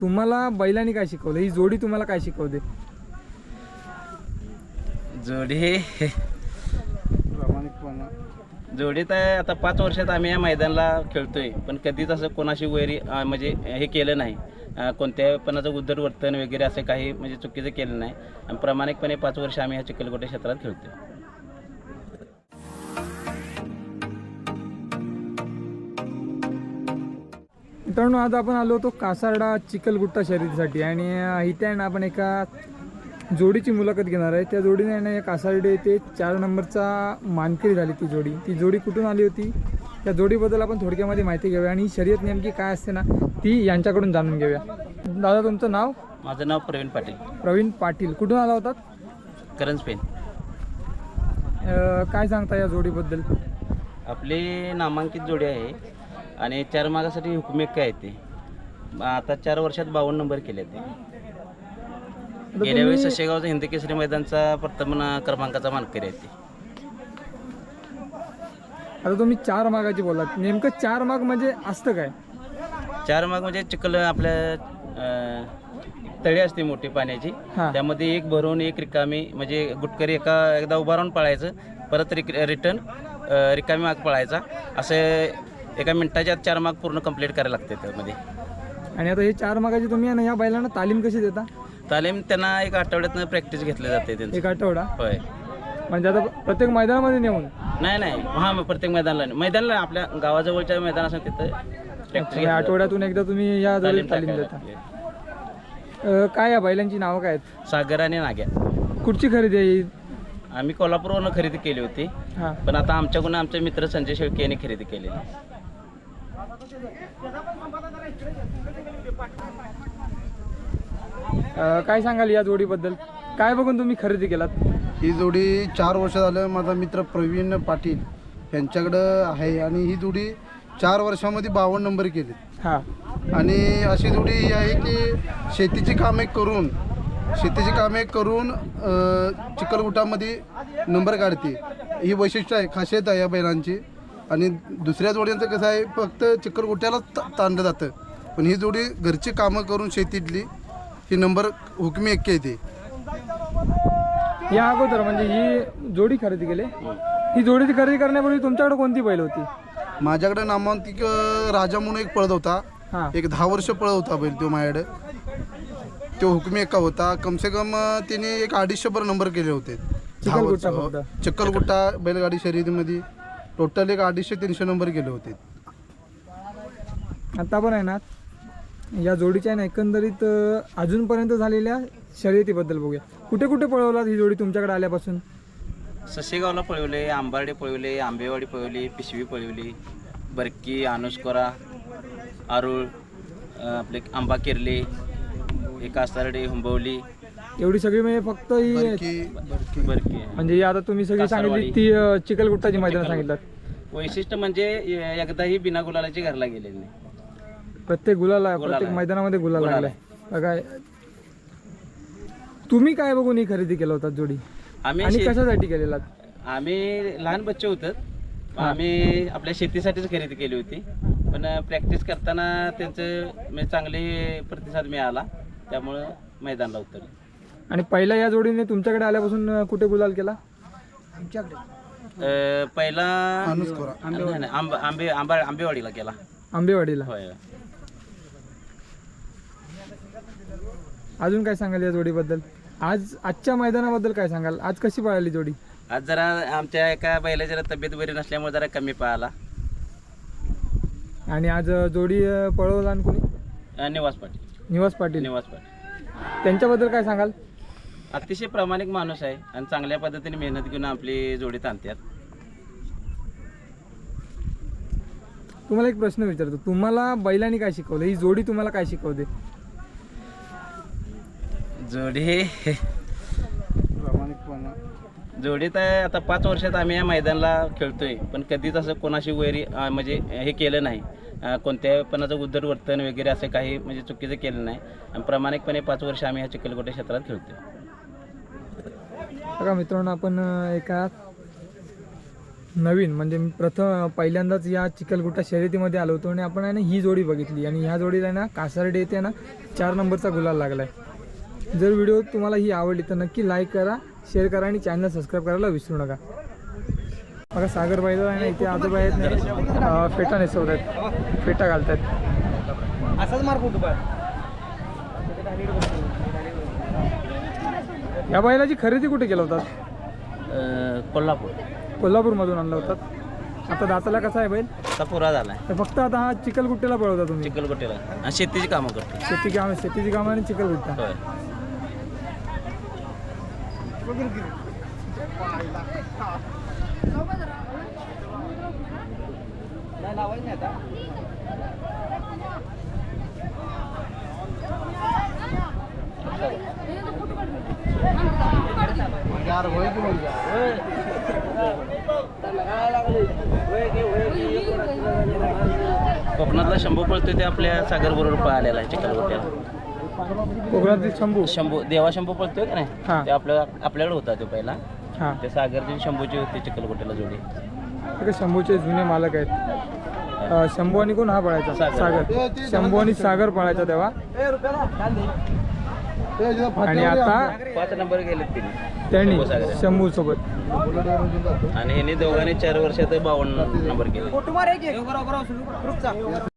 तुम्हाला बैलांनी काय शिकवलं? ही जोडी तुम्हाला काय शिकवते? जोडी प्रामाणिकपणा. जोडीत आहे. आता 5 वर्षात आम्ही या मैदानाला खेळतोय, पण कधीच असं कोणाशी वैरी म्हणजे हे केलं नाही. कोणत्याही पणाचं उद्धट वर्तन वगैरे असं काही म्हणजे चुकीचं केलं नाही. आणि प्रामाणिकपणे 5 वर्ष आम्ही ह्या चिखलकोटे क्षेत्रात खेळतोय. मित्रांनो, आज आपण आलो होतो कासारडा चिखलगुट्टा शर्यतीसाठी आणि इथे आहे ना आपण एका जोडीची मुलाखत घेणार आहे. त्या जोडीने आहे ना या कासारडे येथे 4 नंबरचा मानकरी झाली. ती जोडी कुठून आली होती, त्या जोडीबद्दल आपण थोडक्यामध्ये माहिती घेऊया आणि ही शर्यत नेमकी काय असते ना ती यांच्याकडून जाणून घेऊया. दादा, तुमचं नाव? माझं नाव प्रवीण पाटील. प्रवीण पाटील. कुठून आला होतात? करंज पेन. काय सांगता या जोडीबद्दल? आपली नामांकित जोडी आहे आणि 4 मागासाठी हुकमेक काय आहे ते. आता 4 वर्षात 52 नंबर केले ते. गेल्या वेळी सशेगावचा हिंद केसरी मैदानचा प्रथम क्रमांकाचा मानकरी आहे ते. आता तुम्ही 4 मागाची बोलात, नेमकं 4 माग म्हणजे असतं काय? 4 माग म्हणजे चिखल आपल्या तळी असते मोठी पाण्याची, हां. त्यामध्ये एक भरून एक रिकामी, म्हणजे गुटकरी एकदा उभा राहून पळायचं, परत रिटर्न रिकामी माग पळायचा, असं एका मिनिटाच्या 4 माग पूर्ण कंप्लीट करायला लागते त्यामध्ये. आणि आता हे 4 मागाची तुम्ही आहे ना या बैलांना तालीम कशी देता? तालीम त्यांना 1 आठवड्यातनं प्रॅक्टिस घेतली जाते त्यांची. 1 आठवडा? होय. म्हणजे आता प्रत्येक मैदानामध्ये नेऊन? नाही हां, प्रत्येक मैदानाला आपल्या गावाजवळच्या मैदान असं तिथं प्रॅक्टिस आठवड्यातून एकदा तुम्ही या जोडीला तालीम देता. काय या बैलांची नावं काय आहेत? सागर आणि नाग्या. कुठची खरेदी आहे ही? आम्ही कोल्हापूरवरून खरेदी केली होती, हां. पण आता आमच्याकडून आमचे मित्र संजय शेळके यांनी खरेदी केलेली. काय सांगाल या जोडीबद्दल? काय बघून तुम्ही खरेदी केलात? ही जोडी 4 वर्ष झालं माझा मित्र प्रवीण पाटील यांच्याकडं आहे आणि ही जोडी 4 वर्षामध्ये 52 नंबर केले. हां. आणि अशी जोडी ही आहे की शेतीची कामे करून चिखलगुट्टामध्ये नंबर काढते. ही वैशिष्ट्य आहे, खासियत आहे या बैलांची. आणि दुसऱ्या जोड्यांचं कसं आहे, फक्त चिखलगुट्ट्यालाच ताणलं जातं, पण ही जोडी घरची कामं करून शेतीतली ही नंबर हुकमी 1 येते. या अगोदर म्हणजे ही जोडी खरेदी केली, ही जोडीची खरेदी करण्यापूर्वी तुमच्याकडे कोणती बैल होती? माझ्याकडे नामांकित राजा म्हणून एक पळत होता. हां. एक 10 वर्ष पळत होता बैल तो माझ्याकडे. तो हुकमी 1 होता. कमसे कम तिने एक 250 नंबर केले होते. चिखलगुट्टा फक्त? चिखलगुट्टा बैलगाडी शर्यतीमध्ये टोटल एक 250-300 नंबर केले होते. आता पण आहे ना या जोडीच्या ना एकंदरीत अजूनपर्यंत झालेल्या शर्यतीबद्दल बघूया. कुठे कुठे पळवलात ही जोडी तुमच्याकडे आल्यापासून? ससेगावला पळवले, आंबार्डे पळवले, आंबेवाडी पळवली, पिशवी पळवली, बरकी, अनुस्कोरा, आरुळ, आपले आंबा किर्ली, एक कासारडे, हुंबवली, एवढी सगळी म्हणजे फक्त ही बरकी. म्हणजे ही आता तुम्ही सगळी सांगितली ती चिखलगुट्टाची मैदान सांगितलं. वैशिष्ट्य म्हणजे एकदाही बिना गुलालाची घरला गेलेली नाही. प्रत्येक प्रत्येक मैदानामध्ये गुलाल लागलाय. बघा, तुम्ही काय बघून ही खरेदी केला होता जोडी आणि आम्ही कशासाठी केलेला? आम्ही लहान बच्चे होतो, आम्ही आपल्या शेतीसाठीच खरेदी केली होती, पण प्रॅक्टिस करताना त्यांचं म्हणजे चांगले प्रतिसाद मिळाला, त्यामुळं मैदानाला उतरले. आणि पहिला या जोडीने तुमच्याकडे आल्यापासून कुठे गुलाल केला? पहिला अनुस्कोरा. आंबेवाडीला केला. आंबेवाडीला? होय. अजून काय सांगाल या जोडीबद्दल? आजच्या मैदानाबद्दल काय सांगाल? आज कशी पळाली जोडी? आज जरा आमच्या एका बैलाची जरा तब्येत बरी नसल्यामुळे जरा कमी पळाला. आणि आज जोडी पळवला आणि कोणी? निवास पाटील. निवास पाटील. त्यांच्याबद्दल काय सांगाल? अतिशय प्रामाणिक माणूस आहे आणि चांगल्या पद्धतीने मेहनत घेऊन आपली जोडी ताणतात. तुम्हाला एक प्रश्न विचारतो, तुम्हाला बैलांनी काय शिकवलं? ही जोडी तुम्हाला काय शिकवते? जोडी प्रामाणिकपणा. जोडीत आहे. आता 5 वर्षात आम्ही या मैदानाला खेळतोय, पण कधीच असं कोणाशी वैरी म्हणजे हे केलं नाही. कोणत्याही पणाचं उद्धट वर्तन वगैरे असं काही म्हणजे चुकीचं केलं नाही. आणि प्रामाणिकपणे 5 वर्ष आम्ही ह्या चिखलकोटे क्षेत्रात खेळतोय. बघा मित्रांनो, आपण एका नवीन म्हणजे मी पहिल्यांदाच या चिखलगुट्टा शर्यतीमध्ये आलो होतो आणि आपण आहे ना ही जोडी बघितली आणि ह्या जोडीला आहे ना कासारडे येते ना 4 नंबरचा गुलाल लागला आहे. जर व्हिडिओ तुम्हाला ही आवडली तर नक्की लाईक करा, शेअर करा आणि चॅनल सबस्क्राईब करायला विसरू नका. बघा सागर बाईला आहे ना इथे आजोबा आहेत ना फेटा नेसवत आहेत, फेटा घालतात. असाच मार फोटो बघ. या बैलाची खरेदी कुठे केला होता? कोल्हापूर. कोल्हापूरमधून आणला होता. आता दाताला कसा आहे बैल? आता पुरा झाला तर फक्त आता हा चिखलगुट्ट्याला पळवता तुम्ही? चिखलकोटेला आणि शेतीची कामं करतो. शेतीची कामं आणि चिखलगुट्टा. होय. नाही लावायचं नाही आता. यार होय की म्हणजे कोकणातला शंभू पळतोय ते आपल्या सागर बरोबर पळालेला आहे चिखलकोट्याला. कोकणातील शंभू. शंभू देवा शंभू पळतोय का हा. नाही, ते आपल्याकडे होता तो पहिला. हां, ते सागरची शंभूची होती चिखलकोट्याला जोडी. ते शंभूचे जुने मालक आहेत. शंभू आणि कोण हा पळायचा? सागर. शंभू आणि सागर पळायचा तेव्हा. आणि आता 5 नंबर गेलेत तिने त्यांनी शंभू सागर. शंभू सोबत. आणि ह्यांनी दोघांनी 4 वर्षात 52 नंबर केले. फोटो मार एक.